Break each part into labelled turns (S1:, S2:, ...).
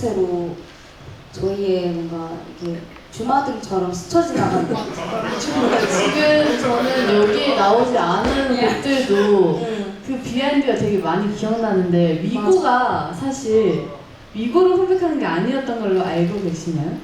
S1: 자체로 저희의 뭔가 이렇게 주마등처럼 스쳐 지나가는
S2: 지금 저는 여기에 나오지 않은 곡들도 그 비하인드가 되게 많이 기억나는데 위고가 사실 위고를 컴백하는 게 아니었던 걸로 알고 계시나요?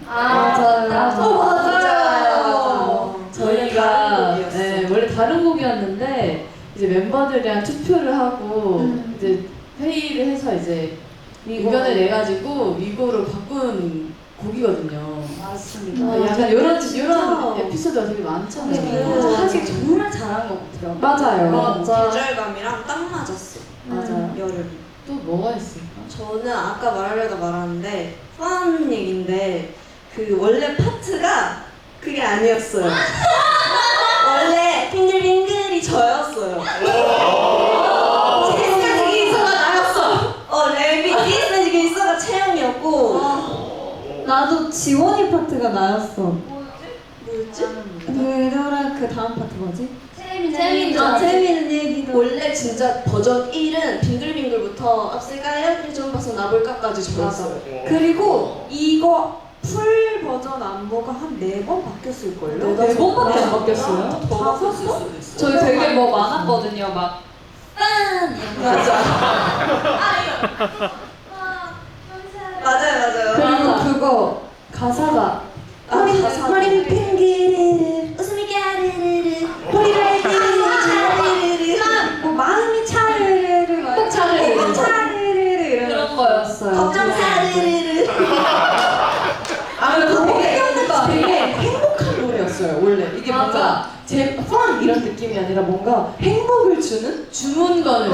S1: 맞아요.
S2: 저희가
S1: 원래 다른 곡이었어.
S2: 네, 원래 다른 곡이었는데 이제 멤버들이랑 투표를 하고 이제 회의를 해서 이제 의견을 내가지고 위고로 바꾼 곡이거든요.
S1: 맞습니다.
S2: 약간 이런 에피소드가 되게 많잖아요.
S1: 하길 정말 잘한 것 같아요.
S2: 맞아요.
S3: 계절감이랑 딱 맞았어.
S1: 맞아요.
S3: 여름.
S2: 또 뭐가 있을까?
S3: 저는 아까 말하려다 말았는데 펀 얘기인데 그 원래 파트가 그게 아니었어요. 원래 빙글빙글이 저였어요. 디스매직 인서가 나였어. 랩이 디스매직 인서가 채영이었고.
S1: 나도 지원이 파트가 나였어.
S3: 뭐였지?
S1: 그거랑 그 다음 파트 뭐지?
S3: 재미있는
S1: 얘기도.
S3: 원래 진짜 버전 1은 빙글빙글부터 앞세가요 그리 좀 봐서 나볼까까지 저였어요.
S4: 그리고 이거 풀 버전 안무가 한 4번 바뀌었을걸요?
S3: 네
S2: 번밖에 안 바뀌었어요?
S3: 더 바뀌었을 수도 있어.
S1: 저희 되게 뭐 많았거든요. 막
S3: 맞아요.
S1: 그리고 그거 가사가
S3: 허리를 핑계르르 웃음이 까르르르 허리를 핑계르르
S4: 뭐 마음이 차르르르
S1: 꼭 차르르르.
S4: 차르르르 이런
S1: 그런 거였어요.
S3: 걱정 사르르르.
S4: 되게 행복한 노래였어요 원래. 이게 뭔가 펀 이런 느낌이 아니라 뭔가 행복을 주는
S2: 주문 거는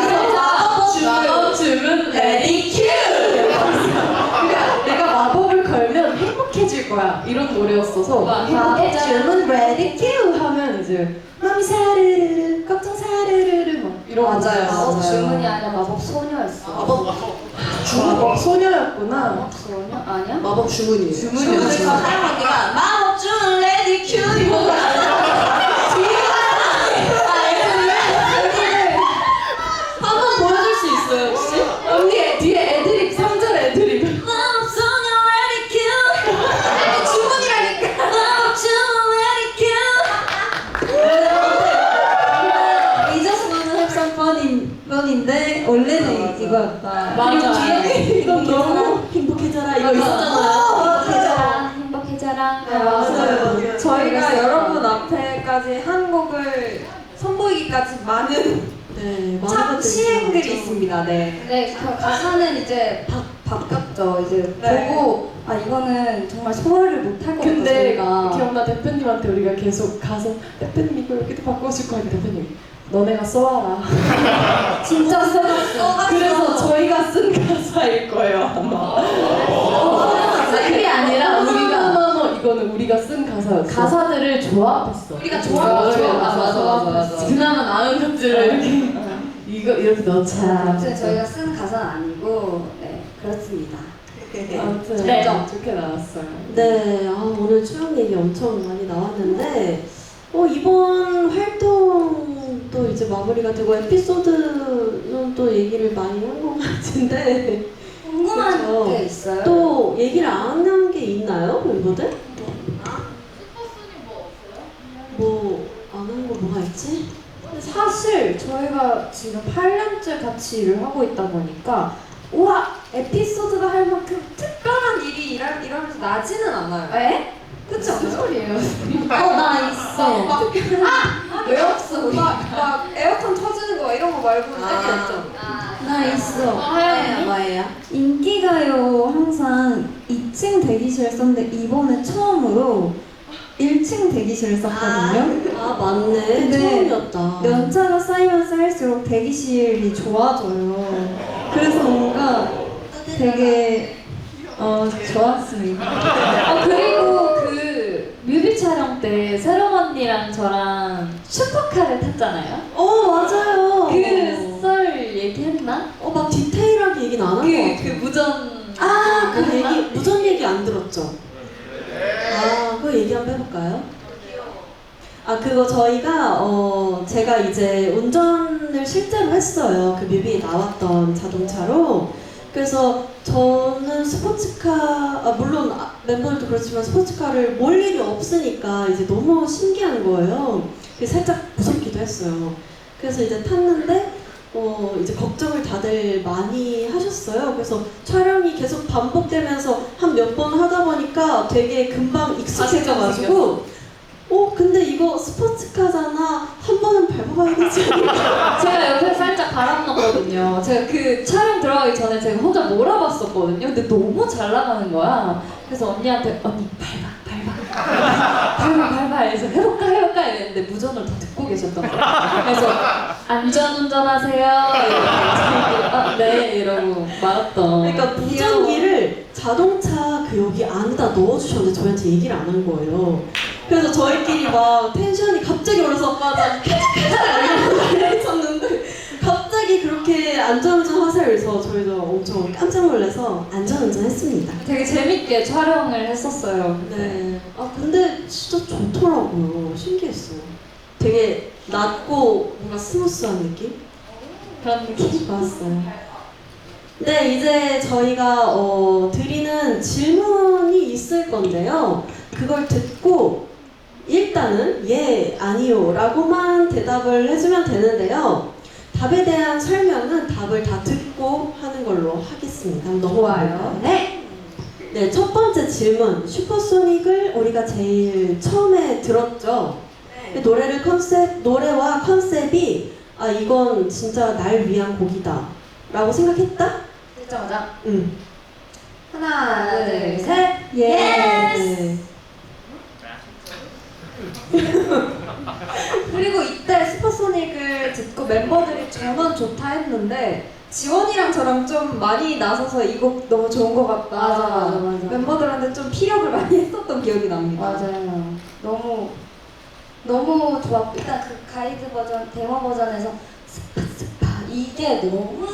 S3: 마법
S2: 주문
S3: 레디 큐.
S4: 그러니까 내가 마법을 걸면 행복해질 거야 이런 노래였어서 주문 ready 큐 하면 이제 마음이 사르르르 걱정 사르르르 막 이런
S3: 맞아요.
S1: 마법 주문이 아니라 마법 소녀였어.
S4: 마법 소녀였구나.
S1: 소녀 아니야?
S3: 마법 주문이에요.
S4: 주문이었죠.
S3: 사랑하기가 마법 주문 레디 큐 이거가. 한번 보여줄 수 있어요 혹시?
S4: 언니 뒤에 애드립 3절 애드립.
S3: 마법 소녀 레디 큐. 주문이라니까. 마법 주문 레디 큐.
S1: We just wanna have some fun인데 원래는 이거였다.
S2: 맞아.
S4: 이건 너무 행복해져라 이거 있었잖아요.
S1: 행복해져라.
S4: 맞아요. 저희가
S3: 맞아요.
S4: 여러분 앞에까지 한 곡을 선보이기까지 많은 참 시행들이 있습니다. 네.
S1: 네, 그 가사는 이제 바뀌었죠. 이제
S4: 네.
S1: 보고 아 이거는 정말 소화를 못할 것 같다.
S2: 근데
S1: 저희가.
S2: 기억나 대표님한테 우리가 계속 가서 대표님 이거 여기도 바꿔줄 거야 대표님 너네가 써와라.
S1: 진짜 써놨어.
S2: 그래서 저희가 쓴 가사일 거예요 아마. 그게 아니라 우리가 이거는 우리가 쓴 가사였어. 가사들을 조합했어.
S1: 우리가 조합했죠.
S2: 맞아. 그나마 나은 것들을 이렇게 이거 이렇게 넣자.
S1: 아무튼 저희가 쓴 가사는 아니고 네 그렇습니다.
S2: 아무튼
S1: 네.
S2: 좋게 나왔어요.
S5: 네, 오늘 추억 얘기 엄청 많이 나왔는데 이번 활동도 이제 마무리가 되고 에피소드는 또 얘기를 많이 한 것 같은데
S1: 궁금한
S5: 그렇죠.
S1: 게 있어요?
S5: 또 얘기를 안 한 게 있나요, 멤버들? 뭐 안 한 거 뭐가 있지?
S4: 근데 사실 저희가 지금 8년째 같이 일을 하고 있다 보니까 우와 에피소드가 할 만큼 특별한 일이 이러면서 나지는 않아요.
S1: 에?
S4: 그치 않아요?
S2: 소리예요.
S1: 나 있어.
S4: 왜 없어? 막 에어컨 터지는 거 이런 거 말고는 딱히 없죠.
S1: 나 있어.
S3: 뭐예요?
S1: 인기가요 항상 2층 대기실 썼는데 이번에 처음으로 1층 대기실을 썼거든요.
S5: 맞네.
S1: 근데
S5: 처음이었다.
S1: 연차가 쌓이면 쌓일수록 대기실이 좋아져요. 그래서 뭔가 되게 좋았습니다.
S6: 그리고 그 뮤비 촬영 때 세롱 언니랑 저랑 슈퍼카를 탔잖아요.
S5: 맞아요.
S6: 그 썰 얘기했나?
S5: 막 디테일하게 얘기는 안 한 것 같아요.
S6: 그 무전.
S5: 그 얘기, 무전 얘기 안 들었죠? 그거 얘기 한번 해볼까요? 그거 저희가, 제가 이제 운전을 실제로 했어요. 그 뮤비에 나왔던 자동차로. 그래서 저는 스포츠카, 물론 멤버들도 그렇지만 스포츠카를 몰 일이 없으니까 이제 너무 신기한 거예요. 그래서 살짝 무섭기도 했어요. 그래서 이제 탔는데 이제 걱정을 다들 많이 하셨어요. 그래서 촬영이 계속 반복되면서 한 몇 번 하다 보니까 되게 금방 익숙해져가지고 근데 이거 스포츠카잖아. 한 번은 밟아봐야 되지 않을까?
S6: 제가 옆에 살짝 바람 넣었거든요. 제가 그 촬영 들어가기 전에 제가 혼자 몰아봤었거든요. 근데 너무 잘 나가는 거야. 그래서 언니한테 언니 밟아 해서 해볼까 이랬는데 무전을 다 듣고 계셨던 거예요. 그래서 안전운전하세요 이러고 네 이러고 말았던.
S5: 그러니까 무전기를 자동차 그 여기 안에다 넣어주셨는데 저희한테 얘기를 안 한 거예요. 그래서 저희끼리 막 텐션이 갑자기 올라서 있었는데 갑자기 그렇게 안전운전 하세요. 그래서 저희도 엄청 깜짝 놀라서 안전운전 했습니다.
S6: 되게 재밌게 촬영을 했었어요.
S5: 네. 근데 진짜 좋더라고요. 신기했어요. 되게 낮고 뭔가 스무스한 느낌?
S6: 그런 느낌.
S5: 좋았어요. 네, 이제 저희가 드리는 질문이 있을 건데요. 그걸 듣고 일단은 예, 아니요 라고만 대답을 해주면 되는데요. 답에 대한 설명은 답을 다 듣고 하는 걸로 하겠습니다. 한번 넘어가요.
S6: 네.
S5: 네, 첫 번째 질문. 슈퍼소닉을 우리가 제일 처음에 들었죠. 노래와 컨셉이 이건 진짜 날 위한 곡이다 라고 생각했다?
S6: 듣자마자
S5: 응.
S6: 하나 둘 셋.
S5: 네.
S1: 그리고 이때 슈퍼소닉을 듣고 멤버들이 전원 좋다 했는데 지원이랑 저랑 좀 많이 나서서 이 곡 너무 좋은 것 같다.
S6: 맞아.
S1: 멤버들한테 좀 피력을 많이 했었던 기억이 납니다.
S6: 맞아요. 너무 좋았고 일단 그 가이드 버전, 데모 버전에서 스파 이게 너무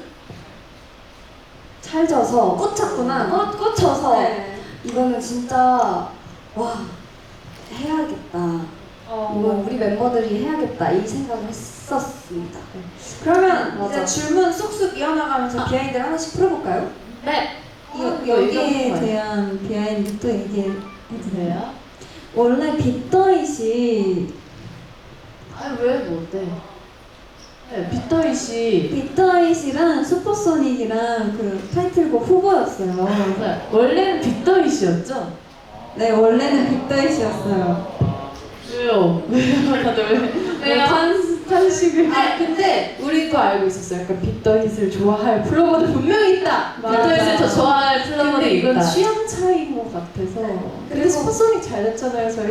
S6: 찰져서
S1: 꽂혔구나.
S6: 꽂혀서
S1: 네.
S6: 이거는 진짜 와 해야겠다. 이건 우리 멤버들이 해야겠다 이 생각을 했었습니다.
S1: 그러면
S6: 맞아.
S1: 이제 질문 쑥쑥 이어나가면서 비하인드를 하나씩 풀어볼까요?
S6: 네.
S1: 여기에 대한 비하인드 또 얘기해도 돼요? 원래 빅더잇이
S2: 왜 뭔데? 네, 빅더잇이
S1: 빅더잇이랑 슈퍼소닉이랑 그 타이틀곡 후보였어요.
S2: 원래는 빅더잇이었죠?
S1: 네, 원래는 빅더잇이었어요.
S2: 왜요? 다들 왜 탄식을?
S4: 근데 우리도 알고 있었어요. 약간 빅더잇을 좋아할 플로버들 분명히 있다.
S2: 빅더잇을 더 좋아할
S4: 근데
S2: 플로버들이
S4: 이건
S2: 있다.
S4: 취향 차이인 것 같아서. 근데 슈퍼소닉 잘 됐잖아요, 저희.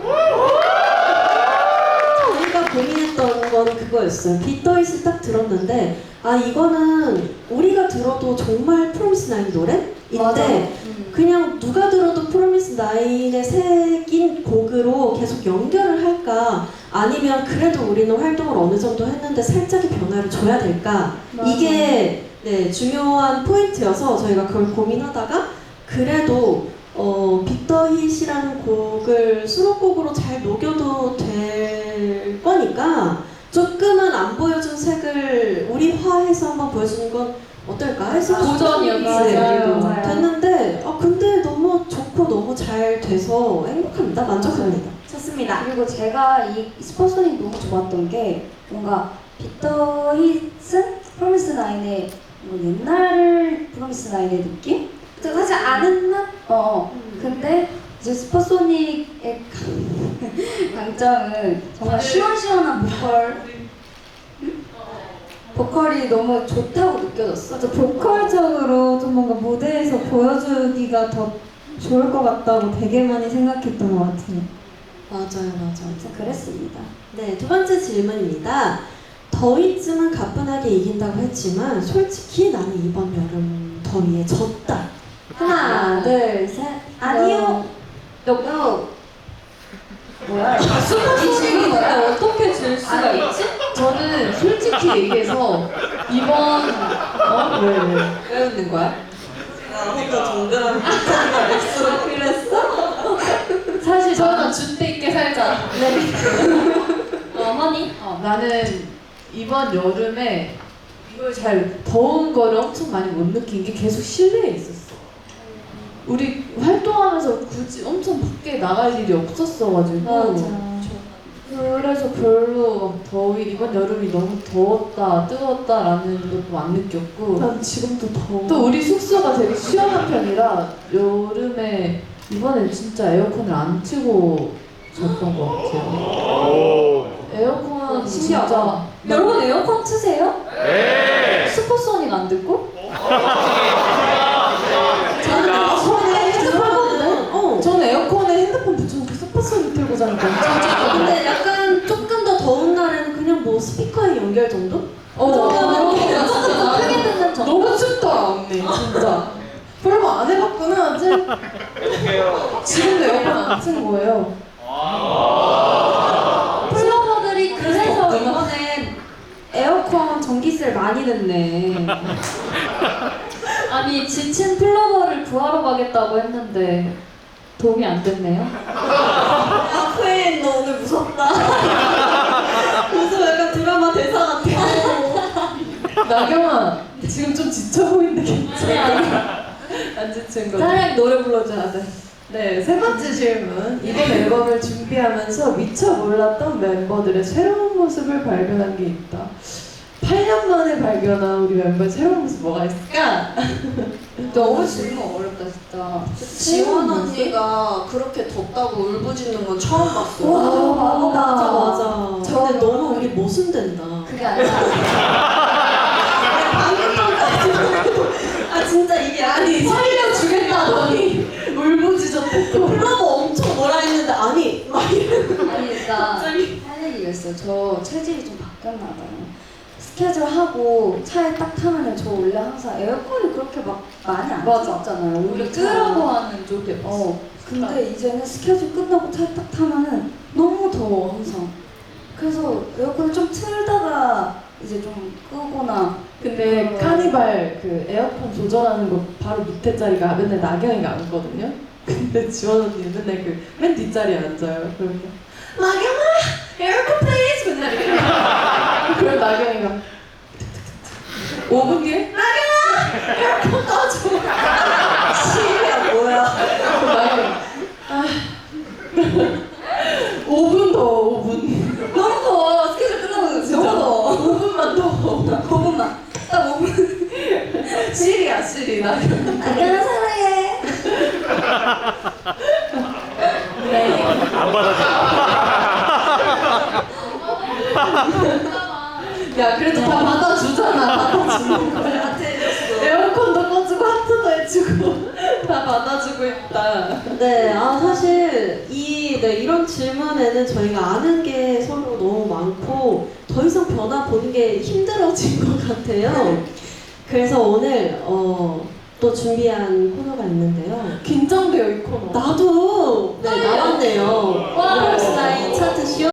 S5: 저희가 고민했던 건 그거였어요. 빅더잇을 딱 들었는데 이거는 우리가 들어도 정말 프로미스나인 노래인데 그냥 누가 들어도 프로미스나인에 새긴 곡으로 계속 연결을 할까 아니면 그래도 우리는 활동을 어느 정도 했는데 살짝의 변화를 줘야 될까 이게 중요한 포인트여서 저희가 그걸 고민하다가 그래도 빅더잇이라는 곡을 수록곡으로 잘 녹여도 될 거니까 조금은 안 보여준 색을 우리화해서 한번 보여주는 건 어떨까 해서
S6: 도전이었어요.
S5: 맞아요. 됐는데 근데 너무 좋고 너무 잘 돼서 행복합니다. 만족합니다.
S1: 좋습니다.
S6: 그리고 제가 이 슈퍼소닉 너무 좋았던 게 뭔가 빅더잇은 프로미스나인의 뭐 옛날 프로미스나인의 느낌?
S1: 사실 아는 맛?
S6: 근데 이제 슈퍼소닉의 강점은 정말 시원시원한 보컬이 너무 좋다고 느껴졌어.
S1: 맞아, 보컬적으로 좀 뭔가 무대에서 보여주기가 더 좋을 것 같다고 되게 많이 생각했던 것 같아요.
S5: 맞아요.
S6: 진짜 그랬습니다.
S5: 네, 두 번째 질문입니다. 더위쯤은 가뿐하게 이긴다고 했지만 솔직히 나는 이번 여름 더위에 졌다.
S1: 하나, 둘, 셋. 아니요.
S6: No. 뭐야?
S1: 이 질문을 어떻게 줄 수가 있지?
S2: 저는 솔직히 얘기해서 이번
S1: 왜 웃는 거야?
S5: 혼자 정근한
S1: 그랬어?
S2: 사실 저는 준대 있게 살자.
S6: 허니?
S2: 나는 이번 여름에 이걸 잘 더운 거를 엄청 많이 못 느낀 게 계속 실내에 있었어. 우리 활동하면서 굳이 엄청 밖에 나갈 일이 없었어가지고 그래서 별로 더위 이번 여름이 너무 더웠다 뜨거웠다라는 것도 안 느꼈고
S5: 난 지금도 더워.
S2: 또 우리 숙소가 되게 시원한 편이라 여름에 이번엔 진짜 에어컨을 안 틀고 잤던 것 같아요. 에어컨 진짜
S6: 여러분 에어컨 트세요?
S7: 네.
S6: 슈퍼소닉 안 듣고?
S2: 저는 에어컨에 핸드폰 붙여놓고 슈퍼소닉 틀고 자니까 엄청 좋거든요.
S5: 근데 약간 조금 더 더운 날에는 그냥 뭐 스피커에 연결 정도?
S6: 크게 듣는 정
S2: 너무 춥다 언니 진짜. 별거 안 해봤구나 아직. 지금도 에어컨 안 튼 거예요.
S1: 플로버들이 그래서 이번엔 에어컨 전기세를 많이 냈네.
S6: 아니 지친 플로버를 구하러 가겠다고 했는데 도움이 안 됐네요.
S5: 아, 퀸, 너 오늘 무섭다. 무슨 약간 드라마 대사 같아.
S2: 나경아 지금 좀 지쳐 보이는데 괜찮아? 안 지친 거.
S1: 차라리 노래 불러줘야 돼.
S2: 네, 세 번째 질문. 이번 앨범을 준비하면서 미처 몰랐던 멤버들의 새로운 모습을 발견한 게 있다. 8년 만에 발견한 우리 멤버의 새로운 모습 뭐가 있을까?
S6: 너무 질문 어렵다 진짜.
S3: 지원 언니가 그렇게 덥다고 울부짖는 건 처음 봤어.
S5: 맞아, 맞아. 근데 너무 우리 모순된다.
S6: 그게 아니라
S5: 아, 진짜 이게
S2: 아니, 살려주겠다더니 울부짖었대 또.
S5: 플러버 엄청 뭐라 했는데, 아니, 막
S6: 아니 일단 할 얘기가 있어요. 저 체질이 좀 바뀌었나 봐요. 스케줄 하고 차에 딱 타면은 저 원래 항상 에어컨이 그렇게 막 많이 안 틀었잖아요.
S1: 우리 끄라고 하는 쪽이
S6: 근데 이제는 스케줄 끝나고 차에 딱 타면은 너무 더워 항상. 그래서 에어컨을 좀 틀다가 이제 좀 끄거나.
S2: 근데 카니발 그 에어컨 조절하는 거 바로 밑에 자리가 맨날 나경이가 앉거든요. 근데 지원 언니는 맨날 그 맨 뒷자리에 앉아요. 그러면 나경아 에어컨 플리즈 맨날 이렇게. 그럼 나경이가 5분 뒤에 나경아 에어컨 꺼줘.
S5: 시위야, 뭐야.
S2: 그럼 나경이 5분 더 5분.
S6: 너무 더워. 스케줄 끝나고
S2: 진짜
S6: 너무 더워.
S2: 5분만 더.
S6: 5분만. 딱 5분.
S2: 시리야 시리 나경이.
S6: 안녕 사랑해.
S7: 안 받아줘.
S2: 야 그래도 다 받아주잖아. 받아주는 거야. 에어컨도 꺼주고 하트도 해주고 다 받아주고 있다.
S5: 네, 사실 이런 질문에는 저희가 아는 게 서로 너무 많고 더 이상 변화 보는 게 힘들어진 것 같아요. 그래서 오늘 또 준비한 코너가 있는데요.
S2: 긴장돼요 이 코너.
S5: 나도